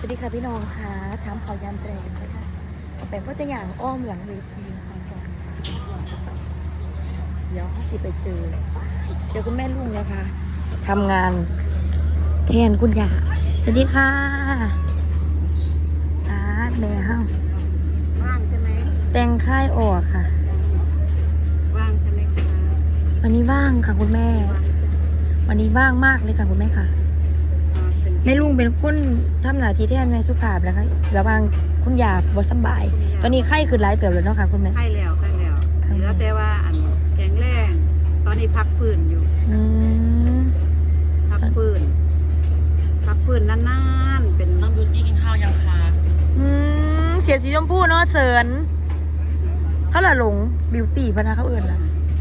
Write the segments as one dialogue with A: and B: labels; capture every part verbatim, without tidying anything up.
A: วัสดีค่ะพี่น้องค่ะถามข่าวยามแรงนะคะแต่ก็จะอย่างอ้อมหลังเวทีก่อนเดี๋ยวสิไปเจอเดี๋ยวคุณแม่ลุงนะคะทำงานแทนคุณยาสวัสดีค่ะอาแม่ห้า
B: ว่างใช่ไหม
A: แต่งค่ายออกค่ะ
B: ว่างใช่ไหมคะ
A: วันนี้ว่างค่ะคุณแม่วันนี้ว่างมากเลยค่ะคุณแม่ค่ะแม่ลุงเป็นคนทำหน้าที่แทนแม่สุภาพแล้วค่ะระหว่างคุณยาบ่สบายตอนนี้ไข้ขึ้นหลายเติบเลยเนาะค่ะคุณแม่
B: ไข้แล้วไข้แล้วแล้วแต่ว่าอันแข็งแรงตอนนี้พักฟื้นอยู่
A: อืม
B: พักฟื้นพักฟื้นนานๆเป็น
C: น้องบิวตี้กินข้าวยังคะ
A: อืมเสียสีชมพูเนาะเสิร์นเขาละหลงบิวตี้พนะเขาเอื่นล่ะ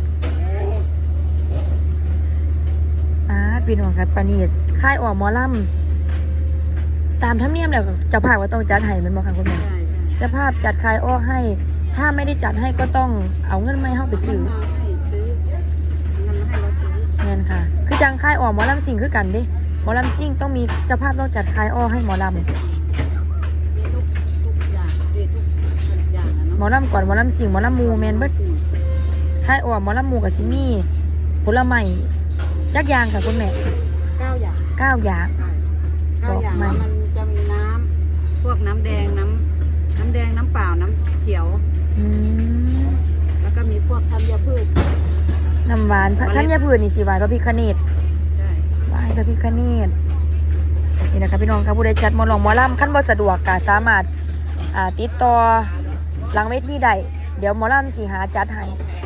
A: อ่าพี่น้องครับปานีดค่ายออกหมอลำตามธรรมเนียมแล้วเจ้าภาพว่าต้องจัดให้มันบอกค่ะคุณแม่เจ้าภาพจัดค่ายออกให้ถ้าไม่ได้จัดให้ก็ต้องเอาเงินไม่เข้าไปซื้อ
B: ให้ซื้อเงินมาให้เราซื้อ
A: เงินค่ะคือจังค่ายออกหมอลำสิ่งคือกันดิหมอลำสิ่งต้องมีเจ้าภาพต้องจัดค่ายออกให้หมอลำ
B: มีทุกทุกอย่างมีทุกอย่างนะเนาะ
A: หมอลำก่อนหมอลำสิ่งหมอลำมูแมนเบิดค่ายออกหมอลำมูกับซิมี่ผลไม้ยักยางค่ะคุณแม่
B: เก้าอย่าง
A: เก้าอย่าง
B: เก้าอย่างมันจะมีน้ำพวกน้ำแดงน้ำน้ำแดงน้ำเปล่าน้ำเขียว
A: อืม
B: แล้วก็มีพวกธัญพืช
A: น้ำหวานธัญพืชนี่สิหวานพระพิฆเนศ
B: ใช่
A: ไหว้พระพิฆเนศนี่นะคะพี่น้องครับผู้ใดจัดหมอลองหมอลำขั้นบ่สะดวกก็สามารถอ่าติดต่อหลังเวทีได้เดี๋ยวหมอลำสิหาจัดให้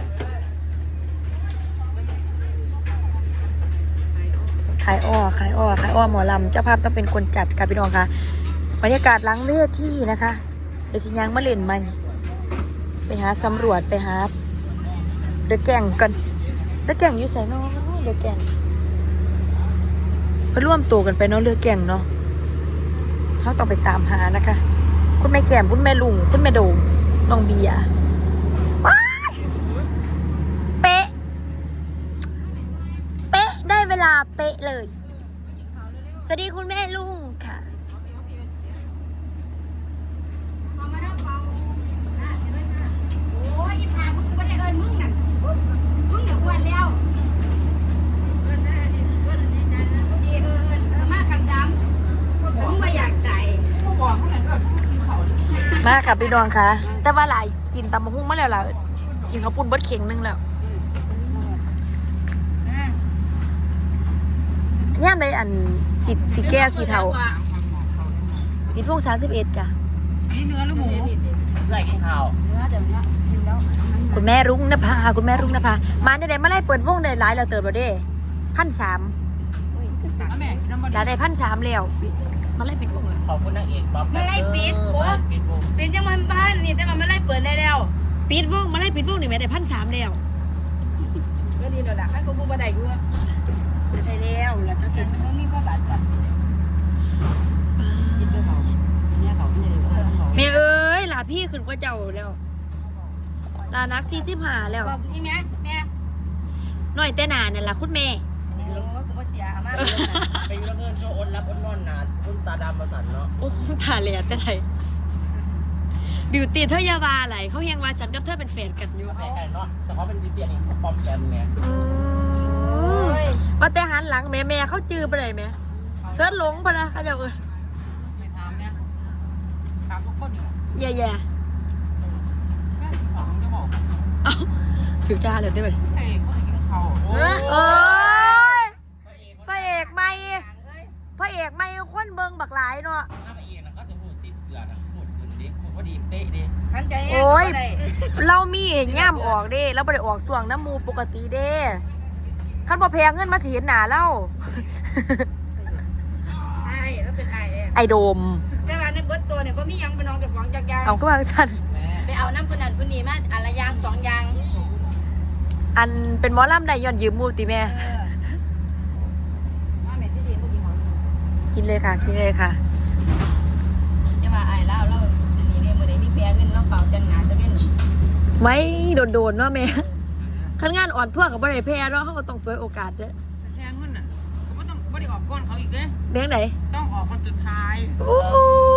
A: ขายอ้อขายอ้อขายอ้อหมอลำเจ้าภาพต้องเป็นคนจัดค่ะพี่น้องค่ะบรรยากาศหลังเวทีนะคะเดี๋ยวสิยังมาเล่นใหม่ไปหาสำรวจไปหาเดอะแก่งกันเดอะแก่งอยู่ไสเนาะเดอะแก่งไปร่วมตัวกันไปเนาะเรือแก่งเนาะเขาต้องไปตามหานะคะคุณแม่แก้มคุณแม่ลุงคุณแม่โดงน้องเบียร์ว้ายเป๊ะเป๊ะได้เวลาเป๊ะเลยสวัสดีคุณแม่ลุงค่ะ
D: โอ้ยพามึงไม่ได้เอิญมึงน่ะมึงเดี๋ยวอ้วนแล้วดีเอิญเออมากกันจ้ำมึงไม่อยากใจ
A: มาค่ะพี่น้องค่ะแต่ว่าหลายกินตำมะฮุ่งมาแล้วล่ะกินข้าวปุ้นเบิดเข่งนึงแล้วย่ามได้อันสิสีแก้สีเทาดิพวกสามสิบเอ็ดจ้ะ
B: นี่เนื้อหรือหมู
C: ไหลกินข้าว
B: เนื้อเดี๋ยวนี้กินแล้ว
A: คุณแม่รุ่งนภาคุณแม่รุ่งนภามาได้ไหนมาไล่เปิดวงได้หลายเราเติบเราได้พันสามเราได้พันสามแล้วมาไล่ปิดวงเลย
C: ขอบคุณนางเอกบ๊อบ
D: ไม่ไล่ปิดโอ้
C: ปิดวง
D: ปิดยังมันบ้านนี่แต่มันไม่ไล่เปิดได้แล้ว
A: ปิดวงมาไล่ปิดวงนี่แม่ได้พันสามแล้ว
D: ก็ดีแล้วล่ะให้กูบูบันไดกู
A: ได้แล้วแล้วสักสิบ
D: มันมีพ่อบาดจ้ะ
B: กินด้วยเขาเนี่ยเขาไม่ได้เลยเขา
A: แม่เอ้ยหลาพี่ขึ้นกว่าเจ้าแล้วลานักสี่สิบห้าแล้ว
D: บอกนี่แม่แม่
A: หน่อยแต่หนาเนี่ยล่ะคุณแม่
D: โอ้กูว่าเสียมาก
C: ไปยูเงินโชว์อ้นรับอ้นนอนนานอ้นตาดำประสันเนาะ
A: โอ้ตาเหลียแต่ไหนบิวตี้เธอยาวาไหลเขายังว่าฉันกับเธอเป็นแฟนกันอยู่
C: แฟนกันเนาะแต่เขาเป็นดิเปียนี่เขาปลอมแปลงไง
A: ว่าแต่หันหลังแม่แม่เขาจือไปเลยไหมเสิร์ชหลงพะนะเขาจะเออ
B: ไม่ถามเนี่ยถามทุกคนอยู่
A: แย่แย่
B: แม่ของจะบอก
A: เอ้าถือดาเลยได้ไหม
B: เอ้เขาจะกินเขา
A: โอ้ยพระเอกไม่พระเอกไม่คนเบิงบักหลายเนาะ
C: ถ้าพระเอกนะเขาจะพูดซิบเสือนะพูดขึ้นดิพูดพอดีเป๊ะดิ
A: โอ้ยเรามีย่ามออกเด้เราไม่ได้ออกส่วงน้ำมูปกติเด้ขั้นบ่แพงเงินมาสิเห็นหนาเล่า
D: ไอ้แล้วเป็นไอ้เลย
A: ไอโดม
D: แต่ว่าในเบิร์ตตัวเนี่ยพ่มียังเป็นน้องจากของจากยาง
A: เอาก็วางสัน
D: ไปเอาน้ำคนนั้นคนนี้มาอะไรยางสองยาง
A: อันเป็นหมอลำได้ย้อนยืมมูติแม่กินเลยค่ะกินเลยค่ะ
D: จะมาไอ้เล่าเล่าอันนี้เนี่ยเมื่อไหร่มีแพ้เงินเราเฝ้าจังหนาจะเป็น
A: ไว้โดนๆเนาะแม่ขั้นงานอ่อนทั่วกับบริเวณเนาะเขาก็ต้องสวยโอกาสเด้อ
B: แพงเงินน่ะก็ไม่ต้องไม่ได้ออกก้อนเขาอีกเด้
A: แบงค์ไหน
B: ต้องออกคนสุดท้าย
A: โอ้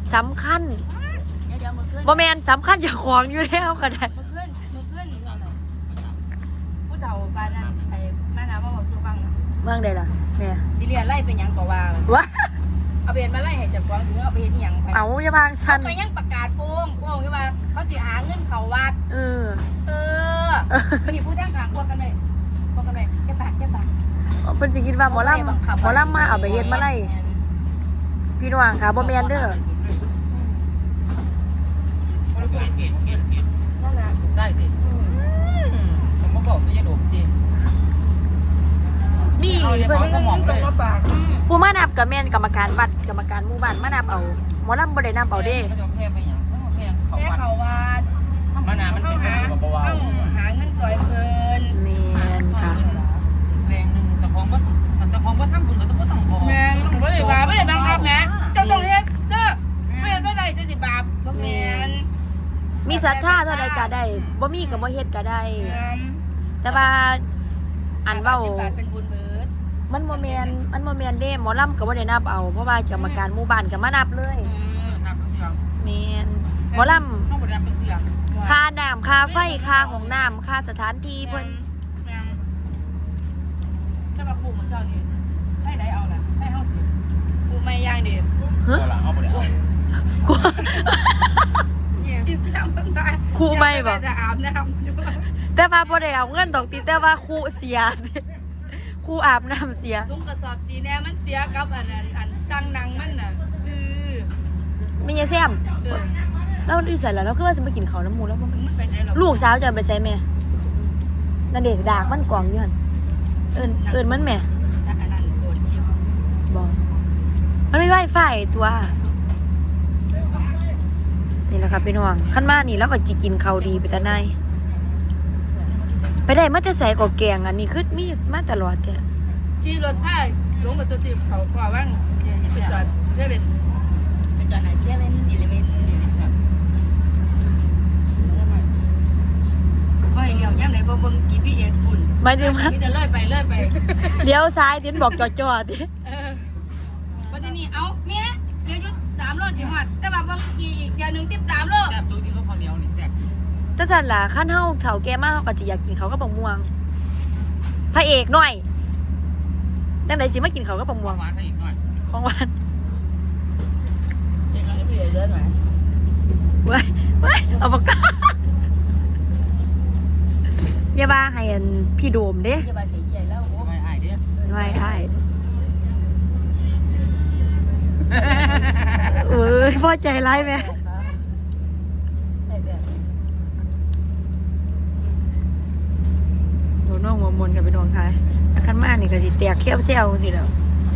A: สำคัญ
D: เดี๋ยวเดี๋ยวมือขึ้น
A: บ่แมนสำคัญเจากของอยู่แล้วก็ได้
D: มือขึ้นมือขึ้นผู้เฒ่าบ้านนั้นไอ้แม่น้ำมาบอกชูฟังนะ
A: เมืองใดล่ะเนี่ย
D: สิเรียนไล่เป็นหยังก็ว่าว
A: ะ
D: เอาเบนมาไล่ให้จับกองถึงเอาไปเฮ็ดอีหยังไป
A: เอาอย่าพางฉัน
D: ไปยังประกาศโป้งโป้งใช่ป่ะเขาสิหาเงินเขาวัด
A: เออ
D: เออมันนี่พูดทางกลางพวกกันไหมพวกกันไหมแกปากแกปาก
A: เพิ่นสิคิดว่าหมอลำหมอลำมาเอาไปเฮ็ดมาไล่พี่น้องค่ะบ่แม่นเด้อ
C: คนละคนเก่งเก่งเก่ง
D: นั่นนะ
C: ใช่ดิผมมาบอกตัวยาดมสิ
A: มีอีหลีเพิ่น
C: สมองเลย
D: ปาก
A: ผู้มานับก็แม่นกรรมการวัดกรรมการหมู่บ้านมานับเอาหมอลำบ่ได้นับเอาเด้
C: เขาจะแพ้ไปอย่างเขาแพ้เขา
D: แค่
C: วัด
D: เขาวัด
C: มานานมันเป็นแบบเบา
D: หาเงินซอยเพิ่น
A: แม่นค่ะ
C: แรงหนึ่งแต่ของก็แต่ของก็ทำบุญก็ต้องต้องพอ
D: แม่ต้องไม่ได้บาปไม่ได้บังคับนะเจ้าต้องเฮ็ดเด้อไม่เฮ็ดไม่ได้จะสิบาปบ่แม่น
A: มีศรัทธาเท่าใดก็ได้บ่มีก็บ่เฮ็ดก็ได้ แต่ว่าอันเว้า
D: สิบบาทเป็นบุญเบิด
A: มันบ่แม่นมันบ่แม่นเด้หมอลำก็บ่ได้นับเอาเพราะว่ากรรมการหมู่บ้านก็มานับเลย
C: นับเป็นเรื่อง
A: แม่นหมอลำ
C: ต้องบริการเป็นเรื่อง
A: ค่าน้ำค่าไฟค่าห้องน้ำค่าสถานที่เพิ่น
D: แม่นถ้ามาปลูกเหมือนเจ้านี่ให้ได้เอาล่ะให้เฮาปลูกไม่ย่างดิ
A: ฮะ
C: หลังเอาบริการ
A: กู
D: อิสลามเพิ่นได้
A: ครูไม่บ่
D: จะอาบน้ำอยู่
A: แต่ว่าบ่ได้เอาเงินดอกติแต่ว่าครูเสีย ครูอาบน้ำเสีย
D: ถุงกระสอบสีแน่มันเสียกับอันนั้นอันตั้งนังมันน่ะคือ
A: มียายแซม
D: เออ
A: เราอยู่ใส่แล้วเราคือว่าจะมากินข้าวน้ำหมูแล้วบ่
D: มันไปไหนหรอ
A: ลูกสาวจะไปใส่แม่นั่นเด็กดากมันกล่องอยู่หั่นเอิ้นเอิ้นมันแม่
D: อันนั้นโกนคิว
A: บ่มันไม่ไวไฟตัวนี่แหละครับพี่น้องขั้นมานี่แล้วก็สิกินข้าวดีไปแต่ไหนไปได้มาแต่ใส่ก็แกงอันนี้คือมีมาตลอดแท้
D: ที่รถผ้าลงมาตัวตีบเขาขวาว่างไปจอดเซเว่นไปจอดไหนเซเว่นอีเลเว่นก็ให้เลี้ยวย่ำไหนบ่เบิ่ง จี พี เอส ปุ่น
A: หมายถึงว่า
D: มีแต่เลื่อยไปเลื่อยไป
A: เลี้ยวซ้ายทิ้นบอกจอดๆดิ
D: เออวันนี้เอ้าแม่เลี้ยวอยู่สามโลสิฮอดแต่ว่าเบิ่งกี่อีกเดี๋ยวหนึงสิบสามโล
C: แซ่บตัวนี้ก็พอเหนียวนี่แซ่บ
A: แต่สั่นล่ะขั้นเฮาเฒ่าแก่มากเฮาก็สิอยากกินเขาวกับบักม่วง พระเอกหน่อยจังไดสิมากินเขาวกับบักม่วง
C: หวานไปอีกหน่อย
A: ของหวาน
D: เด็กอะไรพี่เลื่อยหน่อย
A: เว้ยเว้ยเอาปากกาอย่าว่าให้อันพี่โดมเด้
D: อย่าไปเสียใหญ่แล้วโอ้
C: ไม่อายเด้อ
A: ไม่อ้ายเอ้ยพอใจร้ายไหมโดนน้องหัวมนกับไปนอนใครขั้นมานี่ก็สิแตกเขี้ยวเซี่ยวสิแล้ว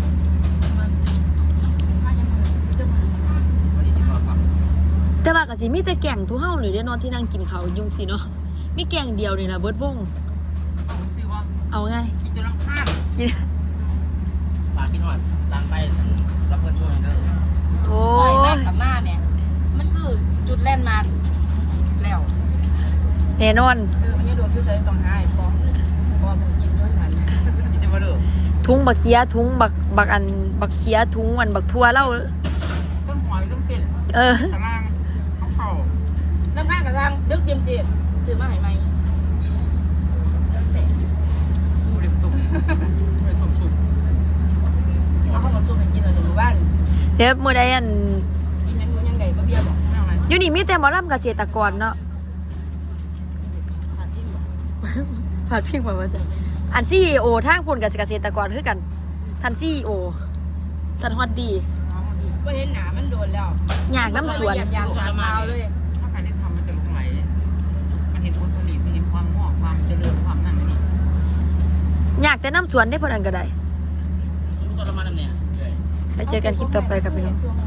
C: วันนี้ที่มาฟัง
A: แต่ว่าก็สิมีแต่แก่งทุเฮาเลยเด้เนอนที่นั่งกินข้าวอยู่สิเนาะมีแก่งเดียวนี่ล่ะเบิดวง
C: เอาซื้อว่า
A: เอาไง
C: กินจนน้ำข้าง
A: กิน
C: ปลากินหอดล้างไปรับเพื่อนช่วยเด้อ
A: โอ้
D: ปล่อยมาก
A: ย
D: กับมาเนี่ยมันคือจุดแล่นมาแล้ว
A: แน่นอน
D: เออมันจะโดนคือใส่ต้องหายพอพอผมกินย้อนทัน
C: กินได้มาเด้อ
A: ทุงบักเคียทุงบักบักอันบักเคียทุงอันบักทั่วเล่า
C: ต้นหอยต้องเป็น
A: เออ
C: ตารางเขาเข่า
D: น้ำข้างกับทางดึกเจียมเจียมซื้อมาให้ไหมแล้วแต่
C: ผู้เรียบตุ่มไม่ตุ่มสุก
D: เอาเข้ามาช่วยให้กินเราจะอยู่บ้าน
A: เดี๋ยวมื้อใดอัน
D: กินยังยังไงบ่เบียร์บอก
C: ไม่เอาอะไร
A: อยู่นี่มีแต่หมอลำเกษตรกรเนาะ
D: ขาดที่บอก
A: ผัดพิงมาว่าซั่นอัน ซี อี โอ ทางพุ่นกับเกษตรกรคือกันท่าน ซี อี โอ สันฮอดดี
D: ก็เห็นหนามันโดนแล้ว
A: อยากน้ำสวน
D: อยากสามเท้าเลย
C: ถ้าใครได้ทำมันจะลุกไหลมันเห็นผลผลิตมันเห็นความงอกความเจริญความนั่นนี่
A: อยากแต่น้ำสวนได้พอนันก็ได้
C: ตัวละมันเนี่ย
A: ไปเจอกันคลิปต่อไปกับพี่น้อง
D: ตัว